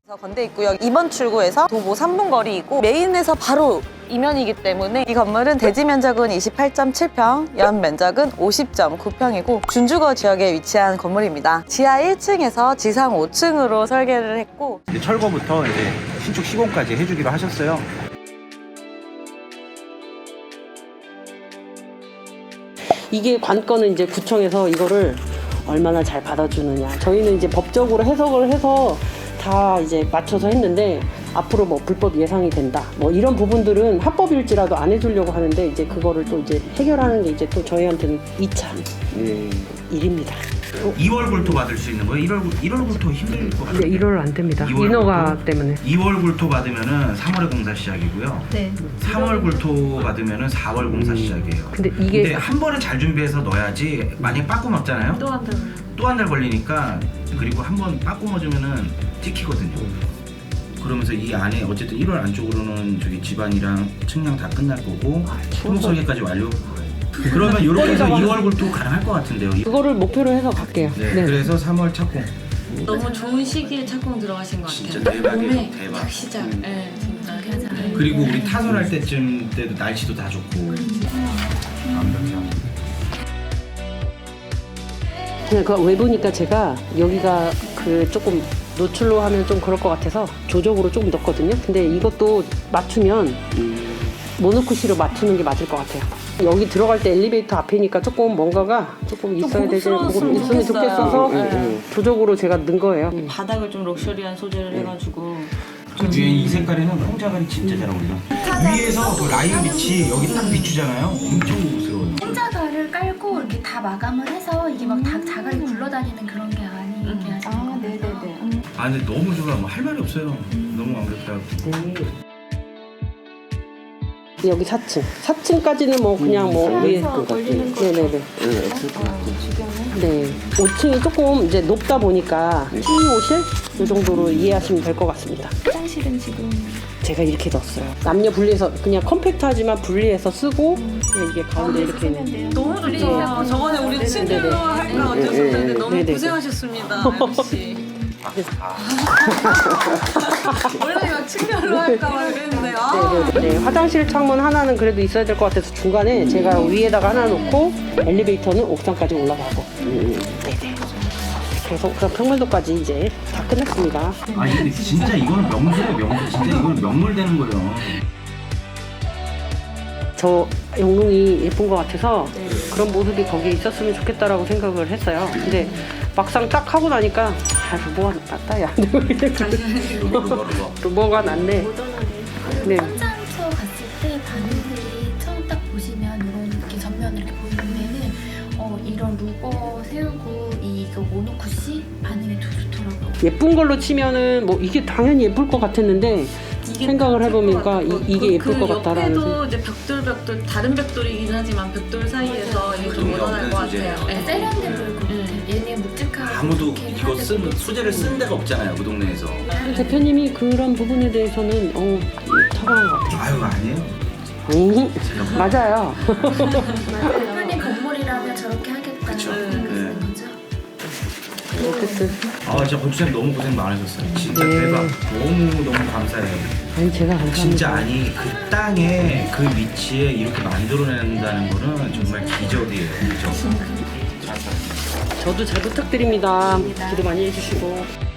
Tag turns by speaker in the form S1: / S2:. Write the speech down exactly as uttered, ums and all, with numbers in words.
S1: 건대 입구역 이 번 출구에서 도보 삼 분 거리이고 메인에서 바로 이면이기 때문에 이 건물은 대지 면적은 이십팔 점 칠 평, 연 면적은 오십 점 구 평이고 준주거 지역에 위치한 건물입니다. 지하 일 층에서 지상 오 층으로 설계를 했고
S2: 이제 철거부터 이제 신축 시공까지 해주기로 하셨어요.
S3: 이게 관건은 이제 구청에서 이거를 얼마나 잘 받아주느냐. 저희는 이제 법적으로 해석을 해서 다 이제 맞춰서 했는데 앞으로 뭐 불법 예상이 된다. 뭐 이런 부분들은 합법일지라도 안 해주려고 하는데 이제 그거를 또 이제 해결하는 게 이제 또 저희한테는 이 차
S2: 예.
S3: 일입니다.
S2: 이월 굴토 받을 수 있는 거예요? 일월 일월 굴토 힘들 것 같아요.
S3: 네, 일월 안 됩니다.
S2: 이월
S3: 인허가
S2: 굴토?
S3: 때문에.
S2: 이월 굴토 받으면은 삼월에 공사 시작이고요.
S4: 네.
S2: 삼월 굴토 받으면은 사월 공사 시작이에요.
S3: 근데 이게
S2: 근데 한 번에 잘 준비해서 넣어야지. 만약에 빠꾸 맞잖아요.
S4: 또 한 달.
S2: 또 한 달 걸리니까. 그리고 한 번 빠꾸 맞으면은 찍히거든요. 그러면서 이 안에 어쨌든 일월 안쪽으로는 저기 집안이랑 측량 다 끝날 거고 토목설계까지 완료. 그러면 이렇게 해서 이월 굴토 가능할 것 같은데요.
S3: 그거를 목표로 해서 갈게요.
S2: 네,
S3: 네.
S2: 그래서 삼월 착공.
S4: 너무 좋은 시기에 착공 들어가신 것 같아요.
S2: 진짜 대박이에요,
S4: 봄에
S2: 대박.
S4: 딱 시작. 네, 진짜. 네.
S2: 그리고 우리 타설할 때쯤 때도 날씨도 다 좋고. 완벽해요.
S3: 그냥 그 외부니까 제가 여기가 그 조금 노출로 하면 좀 그럴 것 같아서 조적으로 조금 넣었거든요. 근데 이것도 맞추면 모노쿠시로 맞추는 게 맞을 것 같아요. 여기 들어갈 때 엘리베이터 앞이니까 조금 뭔가가 조금 있어야 되지,
S1: 고급스러웠으면
S3: 있으면
S1: 좋겠어요.
S3: 좋겠어서
S1: 네.
S3: 조적으로 제가 넣은 거예요.
S4: 바닥을 좀 럭셔리한 소재를 해가지고.
S2: 그 뒤에 이 색깔에는 홍자갈이 진짜 잘 어울려. 위에서 그 라인 빛이 여기 딱 비추잖아요. 엄청 고급스러워요.
S5: 혼자가를 깔고 이렇게 다 마감을 해서 이게 막 다 자갈이 굴러다니는 그런 게 아니게 하시는
S1: 아,
S5: 거예요.
S1: 네네네.
S2: 아 근데 너무 좋아. 뭐 할 말이 없어요. 너무 완벽하고.
S3: 여기 사 층. 사 층까지는 뭐 그냥 뭐 위에.
S1: 걸리는 거.
S3: 네네네. 네. 오 층이 조금 이제 높다 보니까 티오실 이 정도로 이해하시면 될 것 같습니다.
S5: 화장실은 지금
S3: 제가 이렇게 넣었어요. 남녀 분리해서 그냥 컴팩트하지만 분리해서 쓰고 그냥 이게 가운데 이렇게 있는.
S5: 돼요.
S1: 너무 좋죠. 저번에 우리 친구로 할까 어쩌셨는데 너무
S3: 네네.
S1: 고생하셨습니다, 엠씨. 원래 막 친별로 할까 막 그랬는데 아.
S3: 네, 화장실 창문 하나는 그래도 있어야 될 것 같아서 중간에 제가 위에다가 하나 놓고 엘리베이터는 옥상까지 올라가고. 네네. 그래서 그럼 평면도까지 이제 다 끝났습니다.
S2: 아니 근데 진짜 이거는 명물이에요. 명물. 진짜 이거는 명물 되는 거예요.
S3: 저 영롱이 예쁜 것 같아서 그런 모습이 거기에 있었으면 좋겠다라고 생각을 했어요. 근데 막상 딱 하고 나니까 아, 루머가 낫다 야. 루머가 낫네. 네.
S5: 현장처 갔을 때 반응들이 처음 딱 보시면 이런 이렇게 전면을 이렇게 보이면은 어 이런 루버 세우고 이거 모노쿠시 반응이 더 좋더라고요.
S3: 예쁜 걸로 치면은 뭐 이게 당연히 예쁠 것 같았는데 생각을 해보니까 이, 이게 예쁠 것 같다라는
S4: 그
S3: 생각.
S4: 옆에도 이제 벽돌 벽돌 다른 벽돌이긴 하지만 벽돌 사이에서 이게 좀 묻어날 것 같아요. 네.
S5: 세련돼 보일 것 같아요. 얘는 묵직하고
S2: 아무도
S5: 이렇게
S2: 이거
S5: 해야
S2: 쓴
S5: 되고.
S2: 소재를 쓴 데가 없잖아요. 그 동네에서.
S3: 대표님이 그런 부분에 대해서는 어 타고난 것 같아요.
S2: 아유 아니에요.
S3: 음, 맞아요.
S5: 대표님 건물이라면 저렇게 하겠다.
S2: 그쵸.
S5: 그런
S2: 네.
S5: 거죠.
S3: 어쨌든
S2: 아 진짜 건축사님 너무 고생 많으셨어요. 진짜
S3: 네.
S2: 대박. 너무 너무 감사해요.
S3: 아니 제가 감사합니다.
S2: 진짜 아니 그 땅에 그 위치에 이렇게 만들어낸다는 거는 정말 기적이에요. 기적.
S3: 저도 잘 부탁드립니다. 기도 많이 해주시고.